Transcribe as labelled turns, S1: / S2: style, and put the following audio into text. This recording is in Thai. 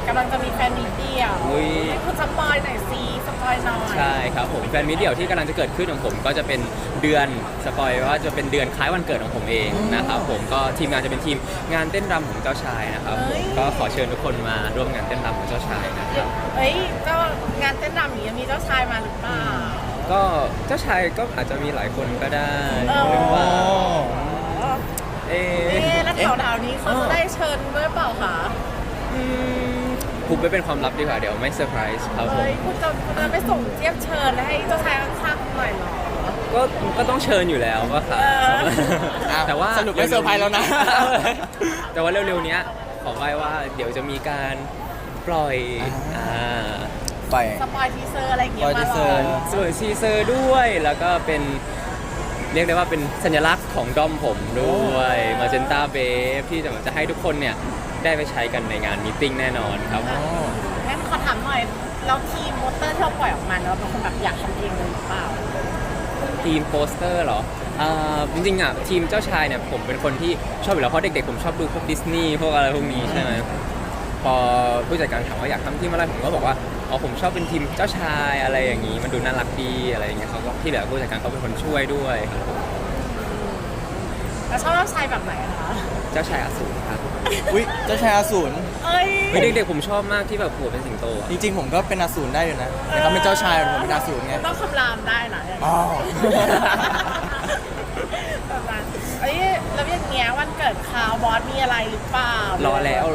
S1: กำลังจะมีแฟนมีเดียว
S2: อุ๊ย
S1: ให้คุณสปอยหน่อยสิสปอยหน่อย
S2: ใช่ครับผมแฟนมิตรเดี่ยวที่กำลังจะเกิดขึ้นของผมก็จะเป็นเดือนสปอยว่าจะเป็นเดือนคล้ายวันเกิดของผมเองนะครับผมก็ทีมงานจะเป็นทีมงานเต้นรำของเจ้าชายนะครับผมก็ขอเชิญทุกคนมาร่วมงานเต้นรำของเจ้าชายนะครับ
S1: เฮ้ยเจ้างานเต้นรำอย่างนี้มีเจ้าชายมาหรือเปล่า
S2: ก็เจ้าชายก็อาจจะมีหลายคนก็ได้
S1: เออ
S2: หรือว่าเอ๊ะ
S1: แล้วแถวๆนี้เขาจะได้เชิญด้วยเปล่าคะ
S2: คุบไปเป็นความลับดีกว่าเดี๋ยวไม่เซอร์ไพรส์ครับผม
S1: เฮ้ยคุณจะไปส่งเทียบเชิญให้เจ้าชายข้างๆหน่อยเหรอ
S2: ก็ต้องเชิญอยู่แล้วก็ครับ แต่ว่า
S3: สรุปไม่เซอร์ไพรส์แล้วนะ
S2: แต่ว่าเร็วๆเนี้ยขอไว้ว่าเดี๋ยวจะมีการปล่อย
S3: ไป
S1: สปอยทีเซอร์อะไรอย่างเงี้ย
S3: ปล่อย
S1: มา
S3: ที
S1: ห
S3: เซ
S1: ร
S3: อ
S1: อ
S3: ร์
S2: ส่วนทีเซอร์ด้วยแล้วก็เป็นเรียกได้ว่าเป็นสัญลักษณ์ของด้อมผมด้วยมาเจนต้าเบฟที่จะให้ทุกคนเนี่ยได้ไปใช้กันในงานมีตติ้งแน่นอนครับ
S1: งั้นขอถามหน่อยแล้วทีมโปสเตอร์ที่เราปล่อยออกมาเราเป็นคนแบบอยากทำเองเลยหรือเปล่า
S2: ทีมโปสเตอร์เหรอจริงๆอ่ะทีมเจ้าชายเนี่ยผมเป็นคนที่ชอบอยู่แล้วเพราะเด็กๆผมชอบดูพวกดิสนีย์พวกอะไรพวกนี้ใช่ไหมพอผู้จัดการถามว่าอยากทำทีมอะไรผมก็บอกว่าอ๋อผมชอบเป็นทีมเจ้าชายอะไรอย่างนี้มันดูน่ารักดีอะไรอย่างเงี้ยเขาก็ที่เหลือผู้จัดการเขาเป็นคนช่วยด้วยครับ
S1: แล้วชอบเจ้าชายแบบไหนคะ
S2: เจ้าชายอสูรครับ
S3: อุ้ยเจ้าชายอสูร
S1: เอ้ย
S2: เด็กๆผมชอบมากที่แบบหัวเป็นสิงโตอะ
S3: จริงๆผมก็เป็นอสูรได้อยู่นะแต่เขาเป็นเจ้าชายผมเป็นอสูรไง
S1: ต้องคำรามได้นะอย่าง
S3: อ๋อ
S1: แบบนั้นเอ้ยแล้วอย่างเงี้ยวันเกิดคาวบอสมีอะไรหรือเปล่าร
S2: อแล้ว